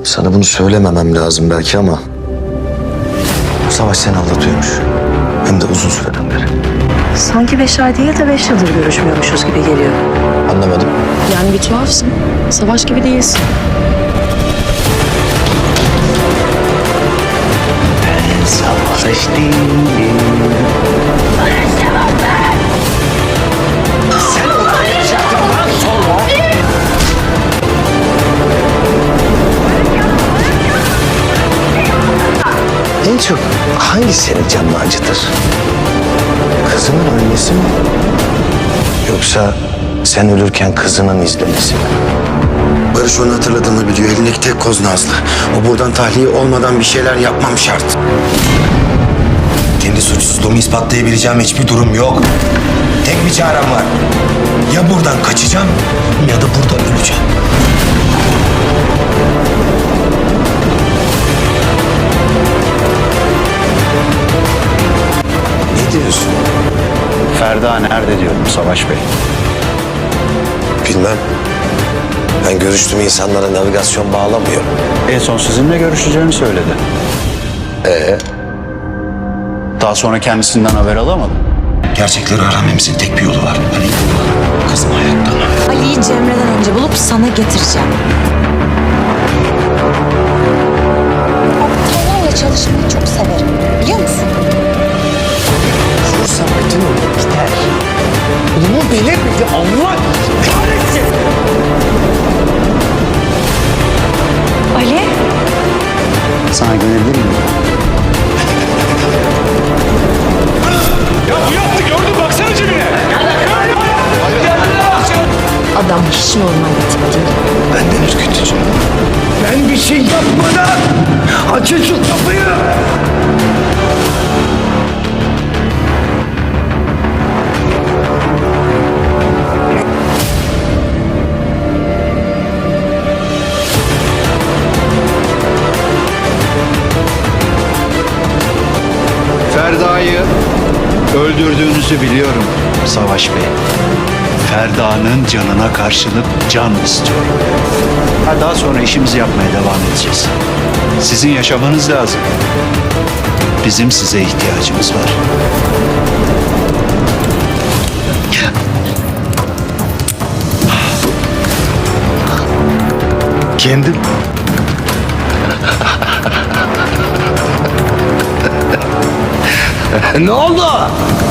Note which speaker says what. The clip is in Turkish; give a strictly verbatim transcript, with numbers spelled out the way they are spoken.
Speaker 1: Sana bunu söylememem lazım belki ama... Savaş seni aldatıyormuş. Hem de uzun süreden beri.
Speaker 2: Sanki beş ay değil de beş yıldır görüşmüyormuşuz gibi geliyor.
Speaker 1: Anlamadım.
Speaker 2: Yani bir tuhafsın. Savaş gibi değilsin.
Speaker 1: Savaş değilim. Sen olacaktından sonra... En çok hangi senin canını acıtır? Kızının ölmesi mi? Yoksa sen ölürken kızının izlemesi mi?
Speaker 3: Barış onu hatırladığını biliyor. Elindeki tek koz Nazlı. O buradan tahliye olmadan bir şeyler yapmam şart. Kendi suçsuzluğumu ispatlayabileceğim hiçbir durum yok. Tek bir çarem var. Ya buradan kaçacağım ya da burada öleceğim. Ne diyorsun?
Speaker 4: Ferda nerede diyorum Savaş Bey.
Speaker 3: Bilmem. Ben görüştüğüm insanlara navigasyon bağlamıyorum.
Speaker 4: En son sizinle görüşeceğini söyledi.
Speaker 3: Ee?
Speaker 4: Daha sonra kendisinden haber alamadım.
Speaker 3: Gerçekleri öğrenmemizin tek bir yolu var. Ali, kızım hayatta mı?
Speaker 5: Ali'yi Cemre'den önce bulup sana getireceğim. Aptallarla çalışmayı çok severim. Biliyor musun?
Speaker 1: Vursa bütün olur gider. Bunu bile bile Allah kahretsin.
Speaker 5: Ali?
Speaker 4: Sana güvenebilir miyim?
Speaker 5: Adam hiç normal bir tip değil.
Speaker 3: Benden ürkütücü.
Speaker 1: Ben bir şey yapmadan açın şu kapıyı.
Speaker 4: Ferda'yı öldürdüğünüzü biliyorum Savaş Bey. Ferda'nın canına karşılık can istiyorum. Ha, daha sonra işimizi yapmaya devam edeceğiz. Sizin yaşamanız lazım. Bizim size ihtiyacımız var.
Speaker 1: Kendim. Ne oldu?